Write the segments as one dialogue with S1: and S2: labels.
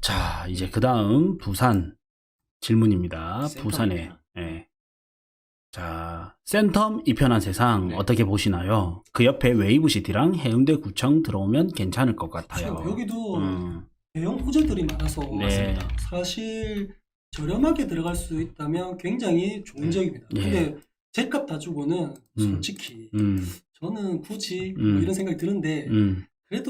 S1: 자, 이제 그 다음 부산 질문입니다.
S2: 센텀
S1: 부산에.
S2: 이편.
S1: 예. 자, 센텀 이편한 세상
S2: 네.
S1: 어떻게 보시나요? 그 옆에 웨이브시티랑 해운대 구청 들어오면 괜찮을 것 같아요.
S3: 그렇죠. 여기도
S1: 음,
S3: 대형 호재들이 많아서
S1: 네.
S3: 사실 저렴하게 들어갈 수 있다면 굉장히 좋은
S2: 네.
S3: 지역입니다.
S1: 예.
S3: 근데 제값 다 주고는 솔직히 저는 굳이 뭐 이런 생각이 드는데 그래도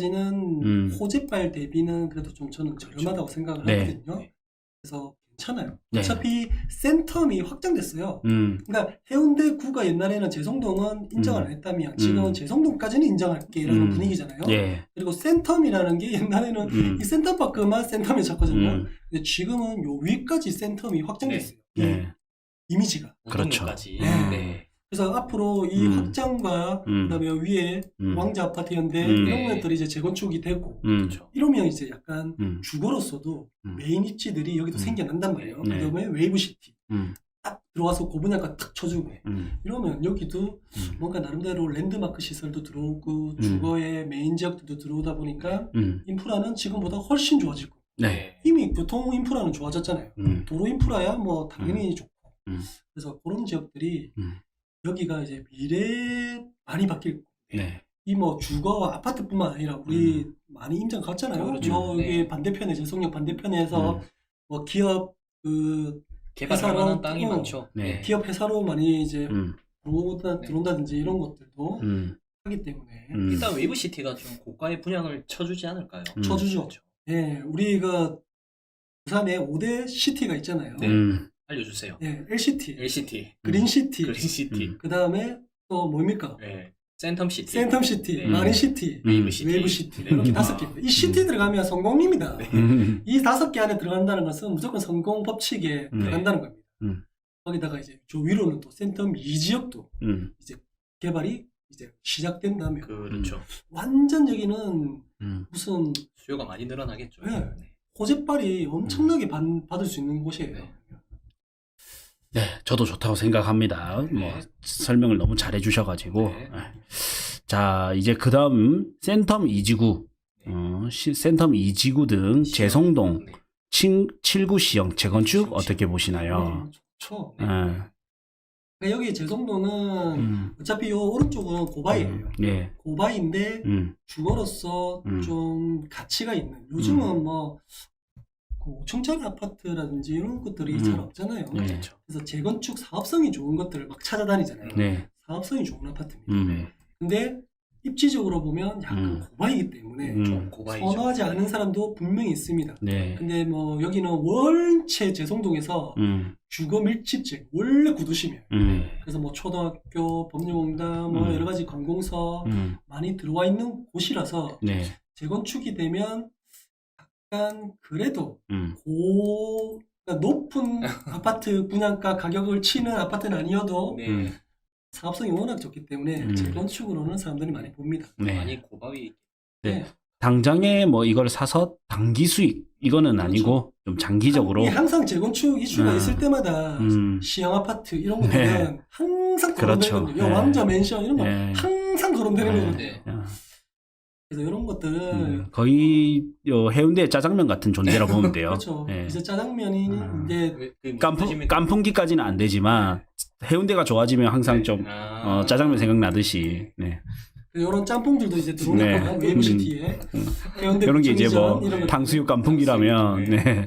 S3: 아직까지는 호재발 대비는 그래도 좀 저는 저렴하다고 생각을
S1: 네.
S3: 하거든요.
S2: 네.
S3: 그래서 괜찮아요.
S1: 네.
S3: 어차피 센텀이 확장됐어요.
S1: 음,
S3: 그러니까 해운대 구가 옛날에는 재성동은 인정을 안 했다면 지금은 재성동까지는 인정할게라는 분위기잖아요.
S1: 예.
S3: 그리고 센텀이라는 게 옛날에는 이 센텀파크만 센텀에 잡거든요. 근데 지금은 요 위까지 센텀이 확장됐어요. 이
S1: 네.
S3: 이미지가.
S1: 그렇죠.
S2: 우동까지.
S3: 네.
S2: 네.
S3: 그래서 앞으로 이 확장과 그다음에 위에 왕자 아파트 현대 이런
S2: 네.
S3: 것들이 이제 재건축이 되고
S2: 그렇죠.
S3: 이러면 이제 약간
S1: 음.
S3: 주거로서도 메인 입지들이 여기도 생겨난단 말이에요.
S1: 네.
S3: 그다음에 웨이브시티
S1: 음.
S3: 딱 들어와서 고분양가 딱 쳐주고 이러면 여기도
S1: 음.
S3: 뭔가 나름대로 랜드마크 시설도 들어오고 주거의 메인 지역들도 들어오다 보니까 인프라는 지금보다 훨씬 좋아지고
S1: 네.
S3: 이미 교통 인프라는 좋아졌잖아요. 도로 인프라야 뭐 당연히 좋고 그래서 그런 지역들이 여기가 이제 미래에 많이 바뀔 거예요.
S1: 네.
S3: 이 뭐 주거와 아파트뿐만 아니라 우리 많이 임장 갔잖아요.
S2: 그렇죠.
S3: 여기
S2: 네.
S3: 반대편에 재성역 반대편에서 뭐 기업 그
S2: 개발할
S3: 회사로-
S2: 만한 땅이
S3: 어,
S2: 많죠.
S1: 네.
S3: 기업 회사로 많이 이제
S2: 네.
S3: 들어온다든지 이런 것들도 하기 때문에
S2: 일단 웨이브시티가 좀 고가의 분양을 쳐주지 않을까요?
S3: 쳐주죠.
S2: 그렇죠.
S3: 예, 우리가 부산에 5대 시티가 있잖아요.
S2: 네. 알려주세요.
S3: 예, LCT,
S2: LCT,
S3: 그린시티,
S2: 그린시티,
S3: 그 다음에 또 뭡니까?
S2: 네. 센텀시티,
S3: 센텀시티,
S2: 네.
S3: 마린시티,
S2: 웨이브시티,
S3: 웨이브시티
S2: 네.
S3: 이렇게 5개. 이 시티 들어가면 성공입니다.
S2: 네.
S3: 이 5개 안에 들어간다는 것은 무조건 성공 법칙에 들어간다는 겁니다. 거기다가 이제 저 위로는 또 센텀 2지역도 이제 개발이 이제 시작된다면
S2: 그렇죠.
S3: 완전 여기는 무슨
S2: 수요가 많이 늘어나겠죠.
S3: 네.
S2: 네.
S3: 호재빨이 엄청나게 받을 수 있는 곳이에요.
S2: 네.
S1: 네, 저도 좋다고 생각합니다.
S2: 네.
S1: 뭐 설명을 너무 잘해 주셔가지고.
S2: 네.
S1: 자, 이제 그 다음 센텀 2지구, 센텀 2지구 등 재성동,
S2: 네.
S1: 7구 시형 재건축 어떻게 보시나요?
S3: 좋죠.
S1: 네.
S3: 그러니까 여기 재성도는 어차피 요 오른쪽은 고바이예요.
S1: 예.
S3: 고바이인데 주거로서 좀 가치가 있는. 요즘은 뭐 5층짜리 아파트라든지 이런 것들이 잘 없잖아요.
S1: 네.
S2: 그렇죠.
S3: 그래서 재건축 사업성이 좋은 것들을 막 찾아다니잖아요.
S1: 네.
S3: 사업성이 좋은 아파트입니다. 근데 입지적으로 보면 약간 고바이기 때문에
S2: 좀 고가이죠.
S3: 선호하지 않은 사람도 분명히 있습니다.
S1: 네.
S3: 근데 뭐 여기는 원체 재성동에서 주거 밀집지 원래 구도심이에요. 그래서 뭐 초등학교, 법률공단, 뭐 여러 가지 관공서 많이 들어와 있는 곳이라서
S1: 네.
S3: 재건축이 되면 약간 그래도 그러니까 높은 아파트 분양가 가격을 치는 아파트는 아니어도
S2: 네.
S3: 사업성이 워낙 좋기 때문에 재건축으로는 사람들이 많이 봅니다.
S1: 네.
S2: 많이 고가위.
S1: 네. 당장에 뭐 이걸 사서 단기 수익 이거는
S3: 그렇죠.
S1: 아니고 좀 장기적으로.
S3: 이게 항상 재건축 이슈가 있을 때마다 시형 아파트 이런 것들은
S1: 네.
S3: 항상
S1: 그렇죠.
S3: 거론되거든요.
S1: 네.
S3: 왕자 맨션 이런 거
S1: 네.
S3: 항상 거론되는
S1: 네.
S3: 거거든요.
S2: 네.
S3: 그래서 이런 것들은
S1: 거의 해운대 짜장면 같은 존재라 보면 돼요.
S3: 그렇죠.
S1: 네.
S3: 이제 짜장면이 이제
S1: 깐풍기까지는 안 되지만 해운대가 좋아지면 항상 좀 짜장면 생각나듯이. 네.
S3: 이런 짬뽕들도 이제 들어오는
S1: 네.
S3: 거예요. 웨이브시티에 해운대
S1: 이런 게 이제 뭐
S3: 구청이전 이런 거.
S1: 탕수육 깐풍기라면 네.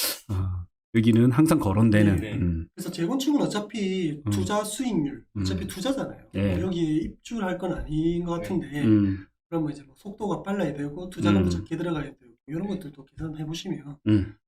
S1: 여기는 항상 거론되는.
S2: 네.
S3: 그래서 재건축은 어차피 투자 수익률 어차피 투자잖아요.
S1: 네.
S3: 뭐 여기 입주할 건 아닌 것 같은데 그러면 이제 뭐 속도가 빨라야 되고 투자금도 적게 들어가야 되고 이런 것들도 계산해 보시면